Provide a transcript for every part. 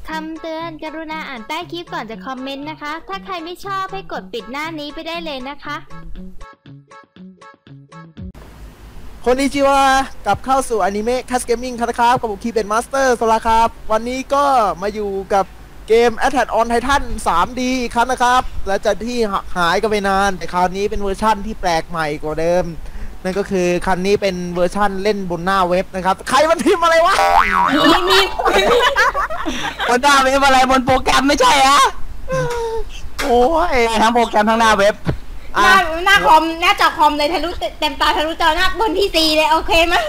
คำเตือนกรุณาอ่านใต้คลิปก่อนจะคอมเมนต์นะคะ ถ้าใครไม่ชอบให้กดปิดหน้านี้ไปได้เลยนะคะคนนี้ชื่อว่ากลับเข้าสู่อนิเมะคัสเกมมิ่งครับกับผมคีเป็นมาสเตอร์โซลาครับวันนี้ก็มาอยู่กับเกม Attack on Titan 3D อีกครั้งนะครับและจากที่หายกันไปนานแต่คราวนี้เป็นเวอร์ชั่นที่แปลกใหม่กว่าเดิมนั่นก็คือคันนี้เป็นเวอร์ชั่นเล่นบนหน้าเว็บนะครับใครมันพิมพ์อะไรวะมีบนหน้าเว็บอะไรบนโปรแกรมไม่ใช่ฮะโอ้ยทั้งโปรแกรมทั้งหน้าเว็บหน้าคอมหน้าจอคอมเลยทะลุเต็มตาทะลุจอหน้าบนที่4เลยโอเคไหม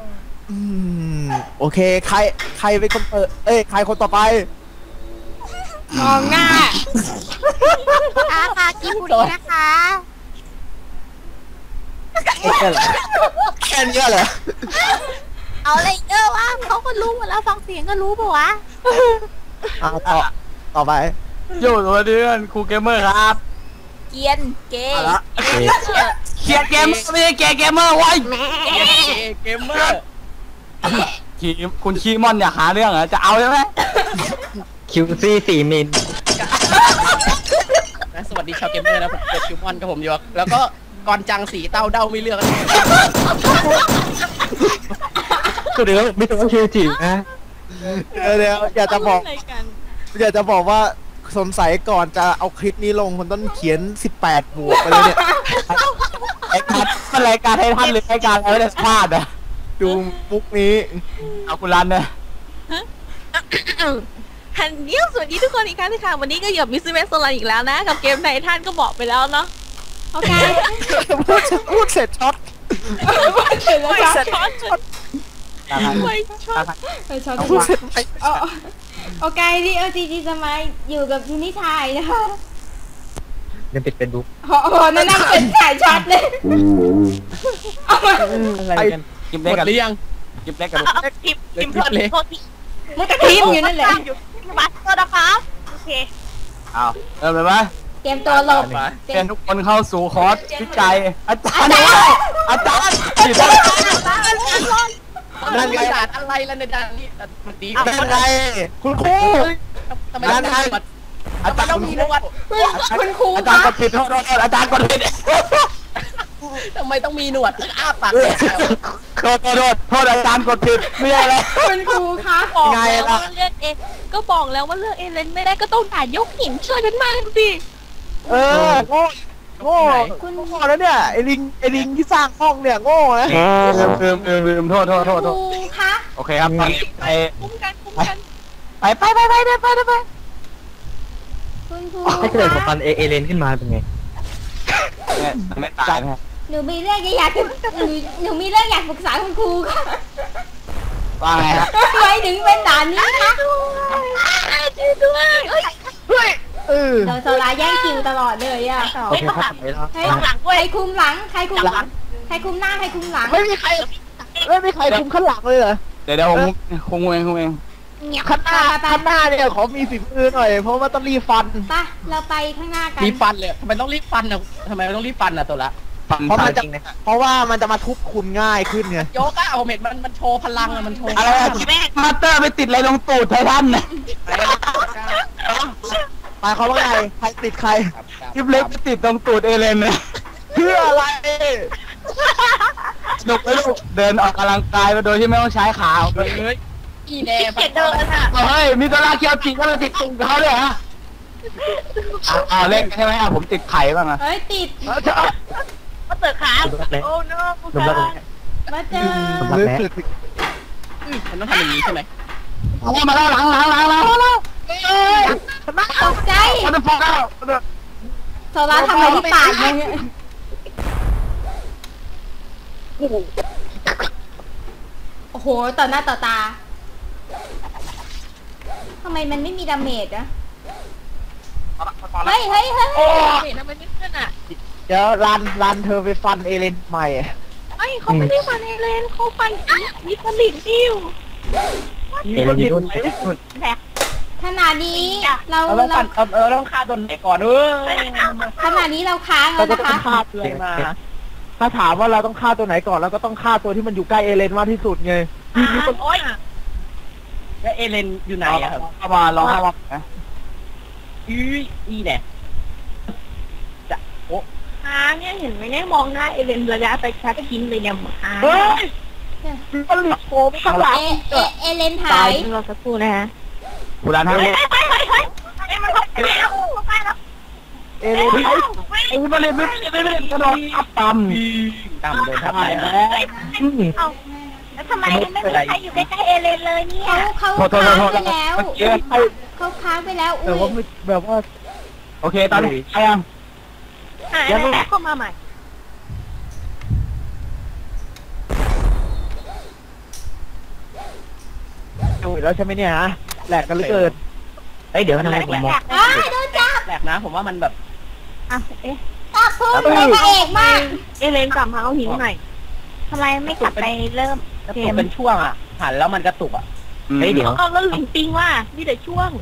โอเคใครเป็นคนเปิดใครคนต่อไปมองหน้าค่ะกิบุรีนะคะแค่นี้เหรอเอาอะไรเยอะวะเขาก็รู้หมดแล้วฟังเสียงก็รู้ป่ะวะต่อไปอยู่ตัวเดือนครูเกมเมอร์ครับเกียนเกย์เกียร์เกมเมอร์ไม่ใช่เกมเมอร์ไว้เกมเมอร์คุณคีมอนอยากหาเรื่องเหรอจะเอาใช่ไหมคิวซี่4 มิลสวัสดีชาวเกมเมอร์นะผมเป็นคิวมอนกับผมอยู่แล้วก็ก่อนจังสีเต้าเด้าไม่เลือกก็เดี๋ยวไม่ต้องคิวจีนะเดี๋ยวอยากจะบอกว่าสงสัยก่อนจะเอาคลิปนี้ลงคนต้องเขียน18 บวกไปเลยเนี่ยรายการให้ท่านหรือรายการอะไรเนี่ยพลาดอ่ะดูมุกนี้เอาคุณรันเนี่ยฮันเดียวสวัสดีทุกคนอีกครั้งนึงค่ะวันนี้ก็อยู่กับมิสซิเมสโซลันอีกแล้วนะกับเกมไททันก็บอกไปแล้วเนาะโอเคพูดเสร็จช็อตไม่ช็อตพูดเสร็จโอเคดิจีจะมาอยู่กับยูนิชายนะคะยังปิดเป็นบุ๊กนั่นเป็นถ่ายช็อตเลยอะไรกันกิมเล็กกันหรือยังกิมเล็กกันกิมพลดโทษทีมันก็ทีมอยู่นั่นแหละมาโทษนะครับโอเคเอาเริ่มเลยไหมเตรียมตัวหลบเตรียมทุกคนเข้าสู่คอร์สวิจัยอาจารย์นั่นไงด่านอะไรแล้วในด่านนี้มันดีนั่นไงคุณครูทำไมนั่นไงอาจารย์ต้องมีนวดคุณครูอาจารย์กดผิดโทษอาจารย์กดผิดทำไมต้องมีหนวดอ้าปากโทษอาจารย์กดผิดไม่ได้เลยคุณครูคะบอกแล้วว่าเลือกก็บอกแล้วว่าเลือกเลนไม่ได้ก็ต้องด่ายกหินช่วยกันมาสิโง่คุณโง่แล้วเนี่ยไอ้ลิงที่สร้างห้องเนี่ยโง่นะลืมโทษคะโอเคครับไปคุ้มกันไปคุณครูถ้าเกิดผมปันเอเลนขึ้นมาเป็นไงไม่ตายนะหนูมีเรื่องอยากปรึกษาคุณครูค่ะว่าไงครับทำไมถึงเป็นด่านนี้คะช่วยด้วยเราโซลาแย่งคิวตลอดเลยอ่ะโอเคครับใครคุมหลังใครคุมหน้าใครคุมหลังไม่มีใครคุมข้างหลังเลยเหรอเดี๋ยวผมคุมเองข้างหน้าเนี่ยขอมีฝีมือหน่อยเพราะว่าต้องรีบฟันป่ะเราไปข้างหน้ากันรีบฟันเลยทำไมต้องรีบฟันอ่ะทำไมต้องรีบฟันอ่ะตัวละเพราะว่ามันจะมาทุบคุณง่ายขึ้นไงโยก้าผมเห็นมันโชว์พลังอ่ะมันโชว์อะไรมาเตอร์ไปติดอะไรลงตูดไททันเนี่ยหมายความว่าไงใครติดใครคลิปเล็กไปติดตรงตูดเอเลนเนี่ยเพื่ออะไรสนุกเลยลูกเดินออกกำลังกายโดยที่ไม่ต้องใช้ขาเลยอีแน่เดินค่ะเฮ้ยมีตัวลาเคียวจิก็มาติดตุ่มเขาเลยฮะเล่นใช่ไหมผมติดไข่บ้างอะติดมาเตอร์ขาโอ้โน่มาเจอมันต้องทำอย่างนี้ใช่ไหมมาแล้วหลังตกใจมันพอแล้วโซล่าทำอะไรที่ปากมึงโอ้โหต่อหน้าต่อตาทำไมมันไม่มีดาเมจอะเฮ้ยทำไมไม่ขึ้นอะเดี๋ยวรันเธอไปฟันเอเลนใหม่เขาไม่ได้ฟันเอเลนเขาฟันมีผลิตดิวเอเลนอยู่นู่นขนาดนี้เราต้องฆ่าตัวไหนก่อนขนาดนี้เราค้างแล้วนะคะฆ่าตัวไหนมาถ้าถามว่าเราต้องฆ่าตัวไหนก่อนเราก็ต้องฆ่าตัวที่มันอยู่ใกล้เอเลนมากที่สุดไงโอ๊ยแล้วเอเลนอยู่ไหนอะครับเข้ามาลองเข้ามานะอีเนี่ยจะโอ้หาเนี่ยเห็นไหมเนี่ยมองหน้าเอเลนระยะไปชัดทิ้งเลยเนี่ยหาเฮ้ยมันหลุดโผล่ข้างหลังเอเลนหาตายยเราสักครู่นะฮะคุณรันให้เอเลนเอเลนไอ้มาเล่นไม่เล่นกระโดดอัพต่ำต่ำโดนทับได้ไปแล้วแล้วทำไมไม่มีใครอยู่ใกล้ๆเอเลนเลยเนี่ยเขาค้างไปแล้วเมื่อกี้เขาค้างไปแล้วแต่อุ้ว่าย ไม่แบบว่าโอเคตอนนี้ใครยังหายแล้วเข้ามาใหม่ดูแล้วใช่ไหมเนี่ยฮะแหลกกันเหลือเกินเอ้ยเดี๋ยวทำไมผมมองอ้ายโดนจับแปลกนะผมว่ามันแบบอ่ะเอ๊ะจับพุ่งเลยพระเอกมากเอเลนกลับมาเอาหินใหม่ทำไมไม่กลับไปเริ่มกระตุกเป็นช่วงอ่ะหันแล้วมันกระตุกอ่ะเฮ้ยเดี๋ยวเอาแล้วหลิงปิงว่านี่แต่ช่วง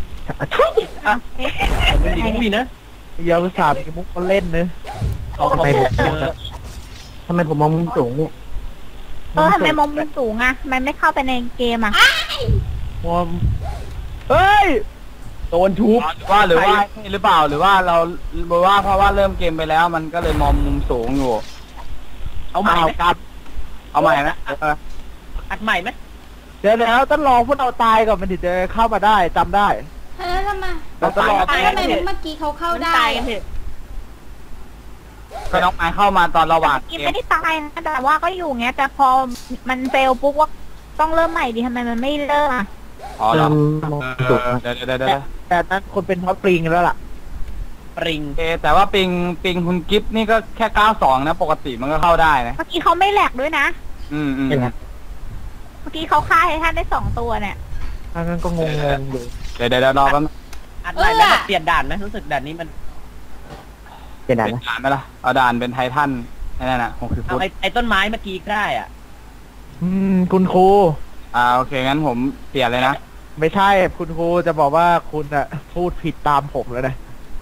เป็นดีดีนะยาวสามมีมุกเขาเล่นเนอะเขาทำไมผมมองมุมสูงเนี่ยทำไมมองมุมสูงอ่ะทำไมไม่เข้าไปในเกมอ่ะมอมเฮ้ยโดนทุบหรือว่าหรือเปล่าหรือว่าเราเพราะว่าเริ่มเกมไปแล้วมันก็เลยมองมุมสูงอยู่เอาใหม่ไหมครับ เอาใหม่นะอัดใหม่ไหมเดี๋ยวแล้วต้องรอพวกเราตายก่อนมันถึงจะเข้ามาได้จำได้แล้วทำไมเราต้องรอทำไมเมื่อกี้เขาเข้าได้ตายกันเถอะก็น้องไม้เข้ามาตอนระหว่างกินเกไม่มได้ตายนะแต่ว่าก็อยู่เงี้ยแต่พอมันเฟลปุ๊บว่าต้องเริ่มใหม่ดิทำไมมันไม่เริ่มอ่ะอ๋อเหรอมองสูงเดี๋ยวแต่นั้นคนเป็นท็อปปริงแล้วล่ะปริงโอเคแต่ว่าปิงคุณกิฟต์นี่ก็แค่92นะปกติมันก็เข้าได้นะเมื่อกี้เขาไม่แหลกด้วยนะอืมเห็นไหมเมื่อกี้เขาฆ่าให้ท่านได้2 ตัวเนี่ยอันนั้นก็งงๆอยู่เดี๋ยวรอแป๊บนึงอัดใหม่ไหมแบบเปลี่ยนด่านไหมรู้สึกด่านนี้มันเป็นเปด่านลี่ยนนะด่านไหมล่ะเอาด่านเป็นไททันนั่นน่ะ60 เอาฟุตไอ้ต้นไม้เมื่อกี้ได้อ่ะคุณครูโอเคงั้นผมเปลี่ยนเลยนะไม่ใช่คุณครูจะบอกว่าคุณอะพูดผิดตามผมแล้วนะ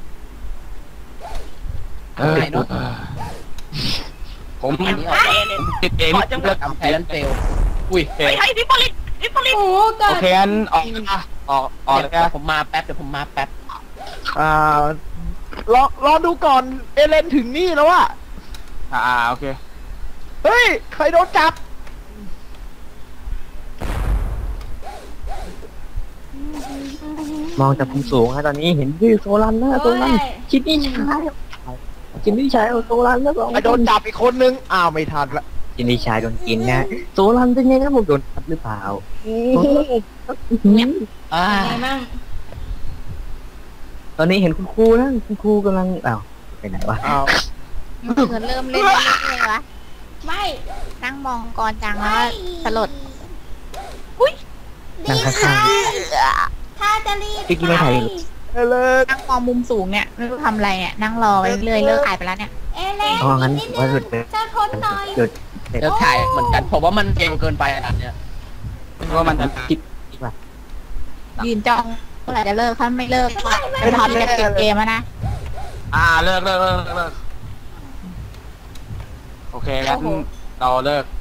ไหนเนาะผมอันนี้ออกเอเลนติดเองขอจังหวะไททันเฟลอุ้ยโอเคไอ้ดิปลิตโอ้โหเกิโอดเคงั้นออกเลยเดี๋ยวนะผมมาแป๊บเดี๋ยวผมมาแป๊บรอดูก่อนเอเลนถึงนี่แล้วอะโอเคเฮ้ยใครโดนจับมองจากมุมสูงฮะตอนนี้เห็นชื่อโซลันนะโซลันคิดนี่ชายคิดนี่ชายเอาโซลันแล้วสองใครโดนจับอีกคนนึงอ้าวไม่ทันละคิดนี่ชายโดนกินนะโซลันเป็นไงครับผมโดนทับหรือเปล่าอ่าไงมั่งตอนนี้เห็นคุณครูนะคุณครูกำลังอ้าวไปไหนวะอ้าวเหมือนเริ่มเล่นเลยวะไม่นั่งมองกรจังแล้วสลดนั่งข้างถ้าจะรีบพี่กิ๊กไม่ถ่ายเอเลนนั่งมองมุมสูงเนี่ยไม่รู้ทำอะไรเนี่ยนั่งรอไปเรื่อยเลิกถ่ายไปแล้วเนี่ยเอเลนๆเอางั้นนิดว่าหนึลุงดเลยจะทนหน่อยหลุดเดี๋ยวถ่ายเหมือนกันผมว่ามันเก่งเกินไปอันเนี้ยว่ามันจะคิดยืนจ้องเมื่อไหร่จะเลิกถ้าไม่เลิกไม่ทันจะแน่เก็บเลเกยมแล้วนะเลิกโอเคงั้นเราเลิก